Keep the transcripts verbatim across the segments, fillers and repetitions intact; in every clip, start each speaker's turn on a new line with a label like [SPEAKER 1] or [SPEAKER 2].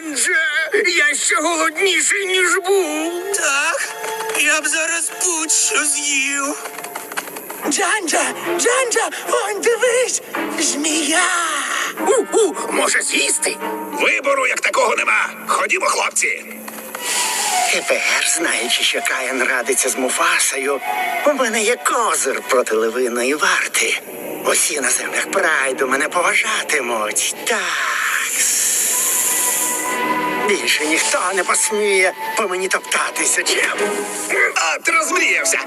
[SPEAKER 1] Джанджа, я ще голодніший, ніж був.
[SPEAKER 2] Так, я б зараз будь-що з'їв. Джанджа, Джанджа, он дивись, змія.
[SPEAKER 1] У-у, може з'їсти?
[SPEAKER 3] Вибору як такого нема. Ходімо, хлопці.
[SPEAKER 4] Тепер, знаючи, що Каїн радиться з Муфасою, у мене є козир проти левиної варти. Усі на землях прайду мене поважатимуть. Так. Більше ніхто не посміє по мені топтатися, чим.
[SPEAKER 3] А, ти розмріявся.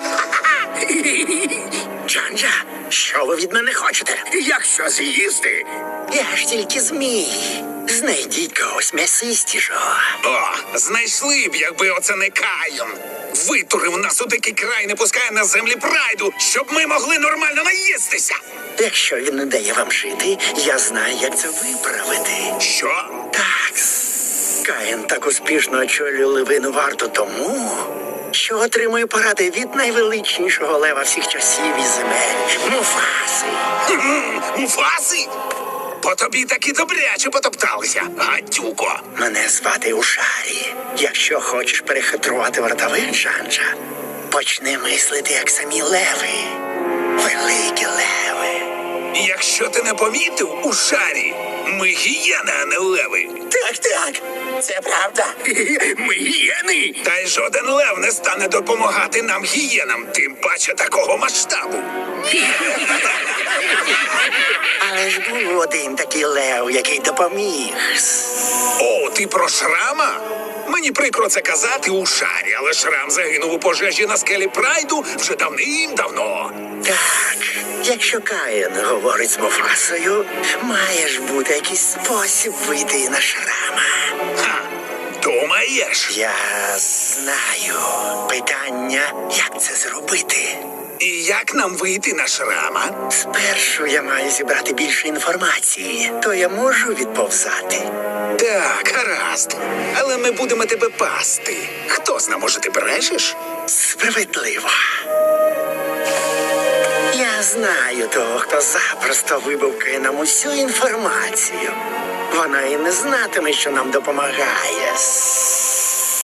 [SPEAKER 4] Джанджа, що ви від мене хочете?
[SPEAKER 1] Якщо з'їсти?
[SPEAKER 4] Я ж тільки змій. Знайдіть когось м'ясистішого.
[SPEAKER 3] О, знайшли б, якби оце не Каїн. Витурив нас у дикий край, не пускає на землі прайду, щоб ми могли нормально наїстися.
[SPEAKER 4] Якщо він не дає вам жити, я знаю, як це виправити.
[SPEAKER 3] Що?
[SPEAKER 4] Так, Каїн так успішно очолює левину варту тому, що отримує поради від найвеличнішого лева всіх часів і земель – Муфаси.
[SPEAKER 3] Хм, Муфаси? По тобі таки добряче потопталися, гадюко.
[SPEAKER 4] Мене звати Ушарі. Якщо хочеш перехитрувати вартових, Джанджа, почни мислити, як самі леви. Великі леви.
[SPEAKER 3] Якщо ти не помітив, у шарі ми гієни, а не леви.
[SPEAKER 2] Так, так, це правда.
[SPEAKER 1] Ми гієни.
[SPEAKER 3] Та й жоден лев не стане допомагати нам гієнам, тим паче такого масштабу.
[SPEAKER 4] Але ж був один такий лев, який допоміг.
[SPEAKER 3] О, ти про Шрама? Мені прикро це казати у шарі, але Шрам загинув у пожежі на скелі Прайду вже давним-давно.
[SPEAKER 4] Так, якщо Каїн говорить з Муфасою, має ж бути якийсь спосіб вийти на Шрама.
[SPEAKER 3] Ха, думаєш?
[SPEAKER 4] Я знаю. Питання, як це зробити.
[SPEAKER 3] І як нам вийти на Шрама?
[SPEAKER 4] Спершу я маю зібрати більше інформації, то я можу відповзати.
[SPEAKER 3] Так, гаразд. Але ми будемо тебе пасти. Хто зна, може, ти брешеш?
[SPEAKER 4] Справедливо. Я знаю того, хто запросто вибавкає нам усю інформацію. Вона і не знатиме, що нам допомагає.